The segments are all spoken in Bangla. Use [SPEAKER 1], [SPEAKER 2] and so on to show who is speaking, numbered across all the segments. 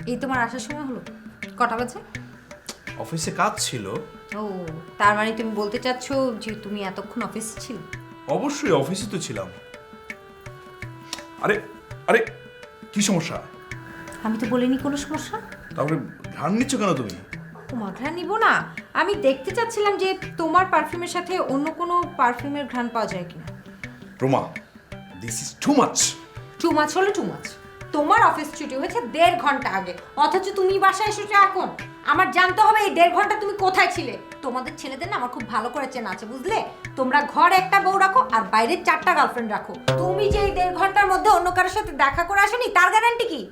[SPEAKER 1] এই তোমার আসার সময় হলো? কটা বাজে?
[SPEAKER 2] অফিসে কাজ ছিল।
[SPEAKER 1] ও, তার মানে তুমি বলতে চাচ্ছ যে তুমি এতক্ষণ অফিসে ছিল?
[SPEAKER 2] অবশ্যই অফিসে তো ছিলাম। আরে আরে কি সমস্যা?
[SPEAKER 1] আমি তো বলিনি কোনো সমস্যা।
[SPEAKER 2] তাহলে ঘ্রাণ নিচ্ছ কেন তুমি?
[SPEAKER 1] তোমার ঘ্রাণ নিব না, আমি দেখতে চাচ্ছিলাম যে তোমার পারফিউমের সাথে অন্য কোনো পারফিউমের ঘ্রাণ পাওয়া যায় কিনা।
[SPEAKER 2] Roma, this is too much.
[SPEAKER 1] Too মাছ হলো টু মাছ। তোমার অফিস ছুটি হয়েছে 1.5 ঘন্টা আগে, অথচ তুমি বাসায় এসেছো এখন। আমার জানতে হবে এই 1.5 ঘন্টা তুমি কোথায় ছিলে। তোমাদের ছেলেদের না আমার খুব ভালো করে চেনা আছে, বুঝলে? তোমরা ঘরে একটা বউ রাখো আর বাইরে 4টা গার্লফ্রেন্ড রাখো। তুমি যে এই 1.5 ঘন্টার মধ্যে অন্য কারোর সাথে দেখা করে আসোনি তার গ্যারান্টি কি?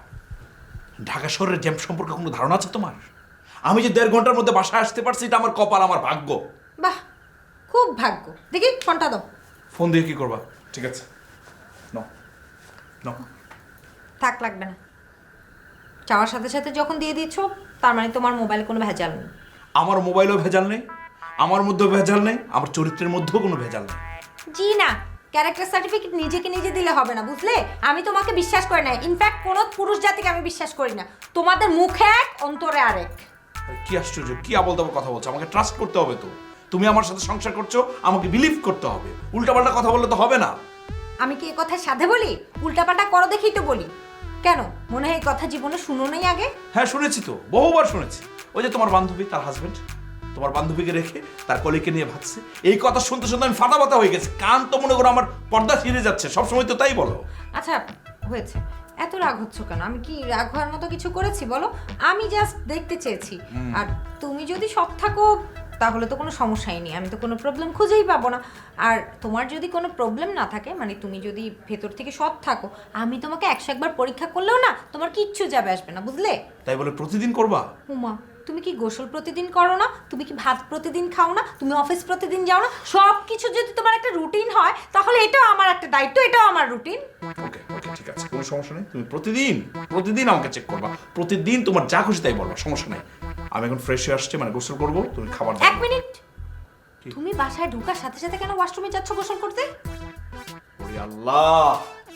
[SPEAKER 2] ঢাকা শহরের জ্যাম সম্পর্কে কোনো ধারণা আছে তোমার? আমি যে 1.5 ঘন্টার মধ্যে বাসায় আসতে পারছি এটা আমার কপাল, আমার ভাগ্য।
[SPEAKER 1] বাহ, খুব ভাগ্য। দেখি ফোনটা দাও।
[SPEAKER 2] ফোন দিয়ে কি করবা? ঠিক আছে, নাও নাও।
[SPEAKER 1] থাক, লাগবে না। চাওয়ার সাথে সাথে যখন দিয়ে দিচ্ছ তার মানে তোমার মোবাইলে কোনো ভেজাল নেই।
[SPEAKER 2] আমার মোবাইলেও ভেজাল নেই, আমার মধ্যেও ভেজাল নেই, আমার চরিত্রের মধ্যেও কোনো ভেজাল নেই।
[SPEAKER 1] জি না, ক্যারেক্টার সার্টিফিকেট নিজেকে নিজে দিলে হবে না, বুঝলে? আমি তোমাকে বিশ্বাস করি না, ইনফ্যাক্ট কোনো পুরুষ জাতিকে আমি বিশ্বাস করি না। তোমাদের মুখে এক অন্তরে আরেক।
[SPEAKER 2] কি আশ্চর্য, কি আবল তাবল কথা বলছো? আমাকে ট্রাস্ট করতে হবে তো। তুমি আমার সাথে সংসার করছো, আমাকে বিলিভ করতে হবে। উল্টাপাল্টা কথা বললে তো হবে না।
[SPEAKER 1] আমি কি এই কথা সাধে বলি? উল্টাপাল্টা করো দেখেই তো বলি। কেন, মনে হয় এই কথা জীবনে শুনো নাই আগে?
[SPEAKER 2] হ্যাঁ শুনেছি তো, বহুবার শুনেছি। ওই যে তোমার বান্ধবী, তার হাজবেন্ড তোমার বান্ধবীকে রেখে তার কলিগকে নিয়ে ভাগছে। এই কথা শুনতে শুনতে আমি ফাটা বাতা হয়ে গেছি। কান তো মনে করো আমার পর্দা ছিঁড়ে যাচ্ছে, সবসময় তো তাই বলো।
[SPEAKER 1] আচ্ছা, হয়েছে। এত রাগ হচ্ছ কেন? আমি কি রাগ হওয়ার মতো কিছু করেছি বলো? আমি জাস্ট দেখতে চেয়েছি। আর তুমি যদি সৎ থাকো তাহলে তো কোনো সমস্যাই নেই, আমি তো কোনো প্রবলেম খুঁজেই পাবো না। আর তোমার যদি কোনো প্রবলেম না থাকে, মানে তুমি যদি ভেতর থেকে সৎ থাকো, আমি তোমাকে 101 বার পরীক্ষা করলেও না তোমার কিচ্ছু যাবে আসবে না, বুঝলে?
[SPEAKER 2] তাই বলে প্রতিদিন করবা?
[SPEAKER 1] উমা, তুমি কি গোসল প্রতিদিন করো না? তুমি কি ভাত প্রতিদিন খাও না? তুমি অফিস প্রতিদিন যাও না? সব কিছু যদি তোমার একটা রুটিন হয় তাহলে এটাও আমার একটা দায়িত্ব, এটাও আমার রুটিন।
[SPEAKER 2] ওকে ওকে, ঠিক আছে, কোনো সমস্যা নেই। তুমি প্রতিদিন প্রতিদিন আমাকে চেক করবা, প্রতিদিন তোমার যা খুশি তাই বলবা, সমস্যা নেই। আমি এখন ফ্রেশ হয়ে আসছি, মানে গোসল করবো, তুমি খাবার দাও।
[SPEAKER 1] 1 মিনিট, তুমি বাসায় ঢোকার সাথে সাথে কেন ওয়াশরুমে যাচ্ছ গোসল করতে?
[SPEAKER 2] ওরে আল্লাহ,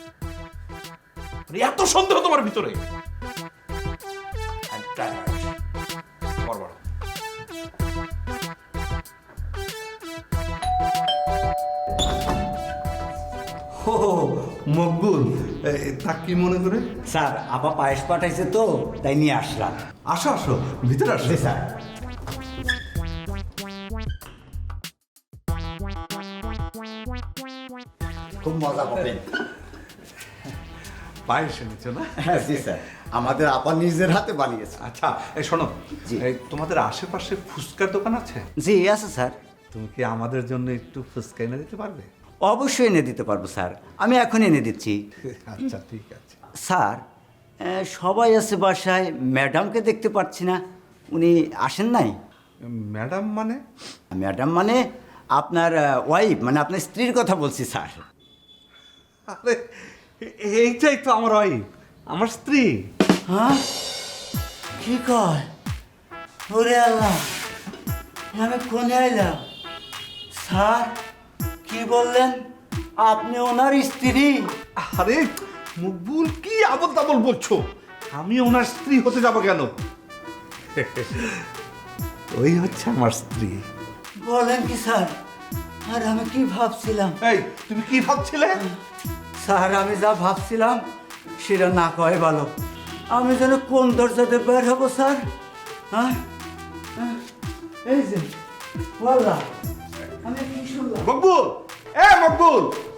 [SPEAKER 2] এত সন্দেহ তোমার ভিতরে? I'm tired. খাবার বাড়াও।
[SPEAKER 3] ও মকবুল, তা কি মনে করে?
[SPEAKER 4] স্যার আপা পায়েস পাঠাইছে তো তাই নিয়ে আসলাম।
[SPEAKER 3] আসো আসো, ভিতরে আসো।
[SPEAKER 4] জি স্যার। খুব মজা পাবেন।
[SPEAKER 3] পায়েস এনেছো না?
[SPEAKER 4] হ্যাঁ জি স্যার, আমাদের আপা নিজের হাতে বানিয়েছে।
[SPEAKER 3] আচ্ছা, এই শোনো,
[SPEAKER 4] জি।
[SPEAKER 3] এই তোমাদের আশেপাশে ফুচকার দোকান আছে?
[SPEAKER 4] জি আছে স্যার।
[SPEAKER 3] তুমি কি আমাদের জন্য একটু ফুচকা এনে দিতে পারবে?
[SPEAKER 4] অবশ্যই এনে দিতে পারবো স্যার, আমি এখন এনে দিচ্ছি।
[SPEAKER 3] আচ্ছা ঠিক আছে।
[SPEAKER 4] স্যার সবাই আছে বাসায়, ম্যাডামকে দেখতে পাচ্ছি না, উনি আসেন নাই?
[SPEAKER 3] ম্যাডাম মানে?
[SPEAKER 4] ম্যাডাম মানে আপনার ওয়াইফ, মানে আপনার স্ত্রীর কথা বলছি স্যার।
[SPEAKER 3] আরে এইটাই তো আমার ওয়াইফ, আমার স্ত্রী।
[SPEAKER 4] হ্যাঁ, কি কয়? ওরে আল্লাহ, আমি কোনে আইলাম? স্যার কি বললেন? আপনি ওনার স্ত্রী?
[SPEAKER 3] আরে মকবুল, কি আবল তাবল বলছো? আমি ওনার স্ত্রী হতে যাবো কেন? ওই হচ্ছে আমার স্ত্রী।
[SPEAKER 4] বলেন কি স্যার? আর আমি কি ভাবছিলাম?
[SPEAKER 3] এই তুমি কি ভাবছিলে?
[SPEAKER 4] স্যার আমি যা ভাবছিলাম সেটা না কয় ভালো। আমি যেন কোন দরজাতে বের হবো স্যার? হ্যাঁ হ্যাঁ, এই যে বললাম, আমি কি শুনলাম?
[SPEAKER 3] মকবুল, মকবুল,